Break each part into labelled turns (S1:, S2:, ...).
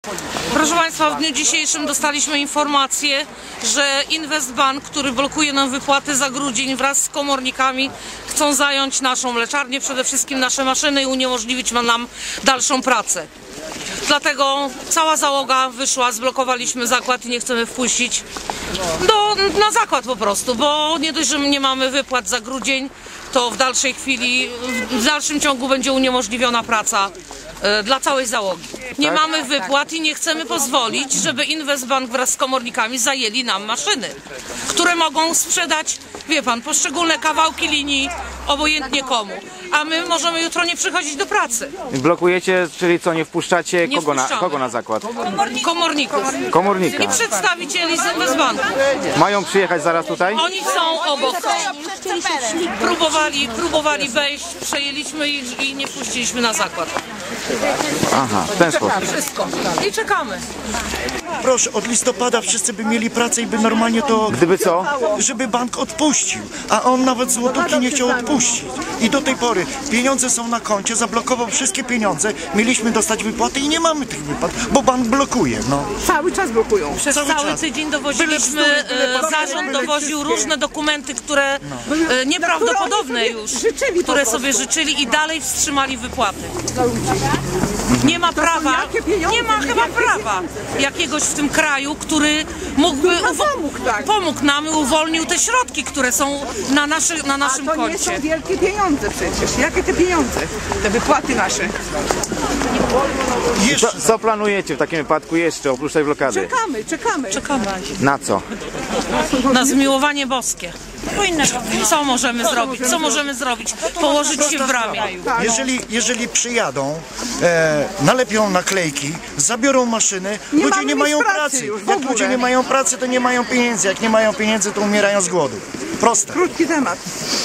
S1: Proszę Państwa, w dniu dzisiejszym dostaliśmy informację, że Investbank, który blokuje nam wypłaty za grudzień, wraz z komornikami chcą zająć naszą mleczarnię, przede wszystkim nasze maszyny i uniemożliwić nam dalszą pracę. Dlatego cała załoga wyszła, zblokowaliśmy zakład i nie chcemy wpuścić na zakład po prostu, bo nie dość, że nie mamy wypłat za grudzień, to w dalszej chwili, w dalszym ciągu będzie uniemożliwiona praca dla całej załogi. Nie mamy wypłat i nie chcemy pozwolić, żeby Investbank wraz z komornikami zajęli nam maszyny, które mogą sprzedać, wie pan, poszczególne kawałki linii obojętnie komu. A my możemy jutro nie przychodzić do pracy.
S2: Blokujecie, czyli co, nie wpuszczacie kogo na zakład?
S1: Komorników.
S2: Komornika.
S1: I przedstawicieli z Investbanku.
S2: Mają przyjechać zaraz tutaj?
S1: Oni są obok. Próbowali wejść, przejęliśmy ich i nie wpuściliśmy na zakład.
S2: Aha, w ten sposób.
S1: Wszystko. I czekamy.
S3: Proszę, od listopada wszyscy by mieli pracę i by normalnie to...
S2: Gdyby co?
S3: Żeby bank odpuścił, a on nawet złotówki nie chciał odpuścić. I do tej pory pieniądze są na koncie, zablokował wszystkie pieniądze, mieliśmy dostać wypłaty i nie mamy tych wypłat, bo bank blokuje, no.
S4: Cały czas blokują.
S1: Przez cały tydzień dowoziliśmy, zarząd dowoził różne dokumenty, które nieprawdopodobne już, które sobie życzyli i dalej wstrzymali wypłaty. Nie ma prawa, nie ma chyba prawa jakiegoś w tym kraju, który mógłby pomógł nam i uwolnił te środki, które są na naszym
S4: to
S1: koncie.
S4: nie są wielkie pieniądze przecież. Jakie te pieniądze? Te wypłaty nasze.
S2: Co planujecie w takim wypadku jeszcze, oprócz tej blokady?
S4: Czekamy.
S2: Na co?
S1: Na zmiłowanie boskie. Co możemy zrobić? Co możemy zrobić? Położyć się w ramię.
S3: Jeżeli przyjadą, nalepią naklejki, zabiorą maszyny, ludzie nie mają pracy. Jak ludzie nie mają pracy, to nie mają pieniędzy. Jak nie mają pieniędzy, to umierają z głodu. Proste.
S4: Krótki temat.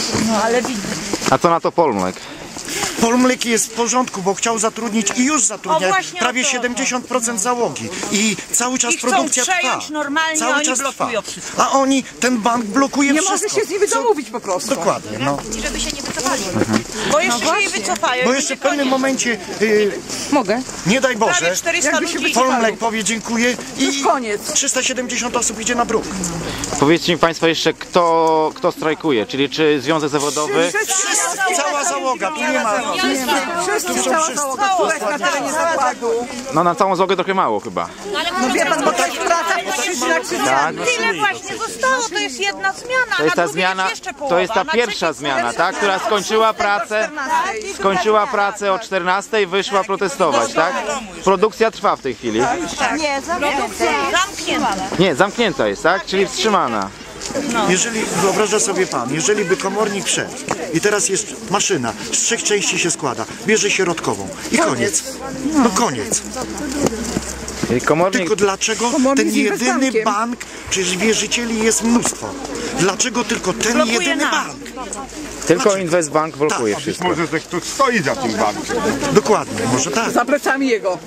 S2: A co na to Polmlek?
S3: Polmlek jest w porządku, bo chciał zatrudnić i już zatrudnia prawie 70% załogi. I cały czas produkcja trwa.
S5: Normalnie,
S3: cały
S5: oni
S3: czas
S5: blokują
S3: trwa.
S5: wszystko.
S3: A ten bank blokuje
S4: Nie
S3: wszystko.
S4: może się z nimi domówić po prostu.
S3: Dokładnie, no.
S5: I żeby się nie wycofali. Bo jeszcze się nie wycofają.
S3: Bo jeszcze w pewnym momencie,
S4: Mogę.
S3: nie daj Boże,
S5: 400 ludzi.
S3: Polmlek powie dziękuję i
S4: koniec.
S3: 370 osób idzie na bruk.
S2: Powiedzcie mi Państwo jeszcze, kto strajkuje, czyli czy Związek Zawodowy?
S3: Cała załoga, tu nie ma.
S4: Cała załoga, która jest na terenie zakładu.
S2: No na całą załogę trochę mało chyba.
S4: No wie pan, bo to jest praca po 3
S2: Tak.
S5: Tyle właśnie zostało, to jest jedna zmiana.
S2: To jest ta zmiana, to jest ta pierwsza zmiana, tak? Która skończyła pracę o 14, wyszła protestować, tak? Produkcja trwa w tej chwili.
S5: Nie, zamknięta.
S2: Nie, zamknięta jest, tak? Czyli wstrzymana.
S3: Jeżeli, wyobraża sobie pan, jeżeli by komornik wszedł i teraz jest maszyna, z 3 części się składa, bierze środkową i koniec. No koniec.
S2: Czyli komornik...
S3: Tylko dlaczego ten jedyny bank, przecież wierzycieli jest mnóstwo. Dlaczego tylko ten jedyny bank?
S2: Tylko Investbank blokuje
S3: Tak.
S2: wszystko.
S6: Może ktoś stoi za tym bankiem.
S3: Dokładnie, może tak.
S4: Za plecami jego.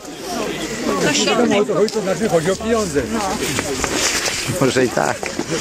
S6: To znaczy chodzi o pieniądze.
S2: Może i tak.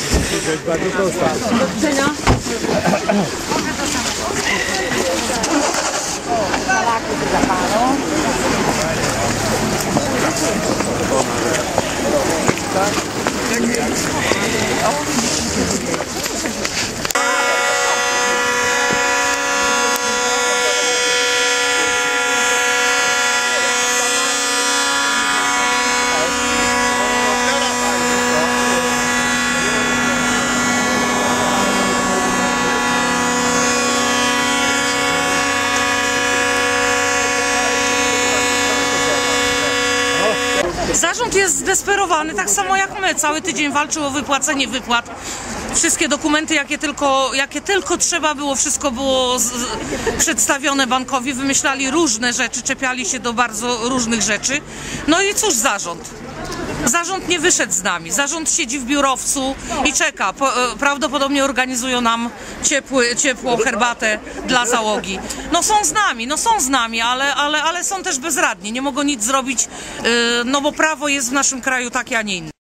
S1: Zarząd jest zdesperowany, tak samo jak my. Cały tydzień walczył o wypłacenie wypłat. Wszystkie dokumenty, jakie tylko trzeba było, wszystko było przedstawione bankowi. Wymyślali różne rzeczy, czepiali się do bardzo różnych rzeczy. No i cóż zarząd? Zarząd nie wyszedł z nami. Zarząd siedzi w biurowcu i czeka. Prawdopodobnie organizują nam ciepłą herbatę dla załogi. No są z nami, ale są też bezradni. Nie mogą nic zrobić, no bo prawo jest w naszym kraju takie, a nie inne.